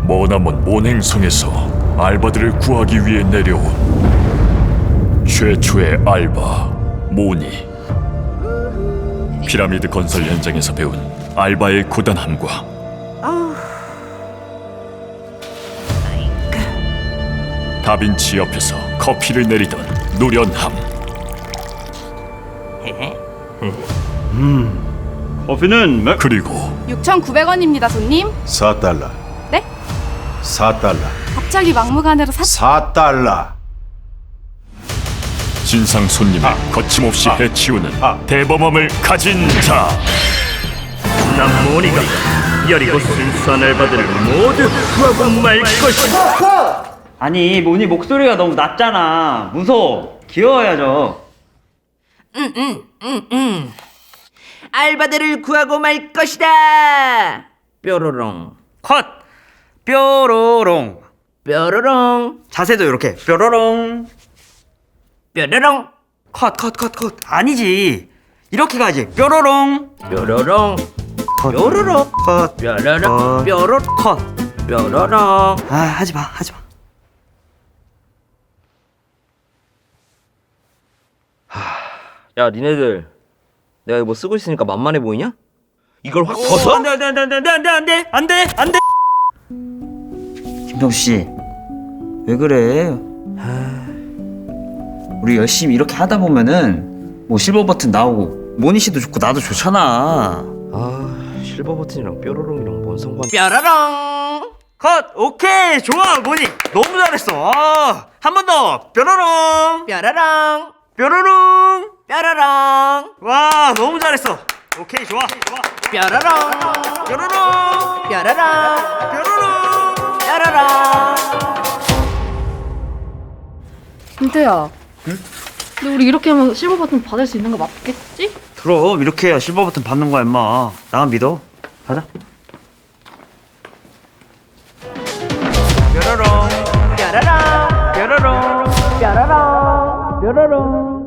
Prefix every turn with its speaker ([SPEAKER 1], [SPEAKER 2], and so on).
[SPEAKER 1] 머나먼 몬행성에서 알바들을 구하기 위해 내려온 최초의 알바 모니. 피라미드 건설 현장에서 배운 알바의 고단함과 다빈치 옆에서 커피를 내리던 노련함.
[SPEAKER 2] 커피는 몇?
[SPEAKER 1] 그리고
[SPEAKER 3] 6,900원입니다, 손님.
[SPEAKER 4] 4달러.
[SPEAKER 3] 네?
[SPEAKER 4] 4달러.
[SPEAKER 3] 갑자기 막무가내로
[SPEAKER 4] 4달러.
[SPEAKER 1] 진상 손님을 거침없이 해치우는 대범함을 가진 자.
[SPEAKER 2] 난 모니가 여리고 순수한 알바들을 모두 구하고 말 것이다.
[SPEAKER 5] 아니 모니 목소리가 너무 낮잖아. 무서워. 귀여워야죠.
[SPEAKER 6] 알바들을 구하고 말 것이다. 뾰로롱
[SPEAKER 5] 컷. 뾰로롱.
[SPEAKER 6] 뾰로롱
[SPEAKER 5] 자세도 이렇게 뾰로롱.
[SPEAKER 6] 뾰로롱
[SPEAKER 5] 컷. 아니지. 이렇게 가지. 뾰로롱.
[SPEAKER 6] 뾰로롱
[SPEAKER 5] 컷.
[SPEAKER 6] 뾰로롱
[SPEAKER 5] 컷.
[SPEAKER 6] 뾰로롱 뾰로롱
[SPEAKER 5] 컷.
[SPEAKER 6] 뾰로롱.
[SPEAKER 5] 아 하지마.
[SPEAKER 7] 야, 니네들 내가 이거 쓰고 있으니까 만만해 보이냐? 이걸 확 벗어?
[SPEAKER 5] 안돼. 김병수 씨, 왜 그래? 우리 열심히 이렇게 하다 보면은 뭐 실버 버튼 나오고 모니 씨도 좋고 나도 좋잖아.
[SPEAKER 7] 아, 실버 버튼이랑 뾰로롱이랑 뭔 상관?
[SPEAKER 6] 뾰로롱
[SPEAKER 5] 컷. 오케이. 좋아 모니. 너무 잘했어. 한 번 더. 뾰로롱.
[SPEAKER 6] 뾰로롱
[SPEAKER 5] 뾰로롱.
[SPEAKER 6] 뾰로롱
[SPEAKER 5] 와 너무 잘했어. 오케이 좋아.
[SPEAKER 6] 뾰로롱
[SPEAKER 5] 뾰로롱.
[SPEAKER 6] 뾰로롱
[SPEAKER 5] 뾰로롱.
[SPEAKER 6] 뾰로롱.
[SPEAKER 8] 민트야. 근데 우리 이렇게 하면 실버 버튼 받을 수 있는 거 맞겠지?
[SPEAKER 5] 그럼 이렇게 해야 실버 버튼 받는 거야 임마. 나만 믿어. 가자.
[SPEAKER 6] 뾰로롱 뾰로롱 뾰로롱 뾰로롱 뾰로롱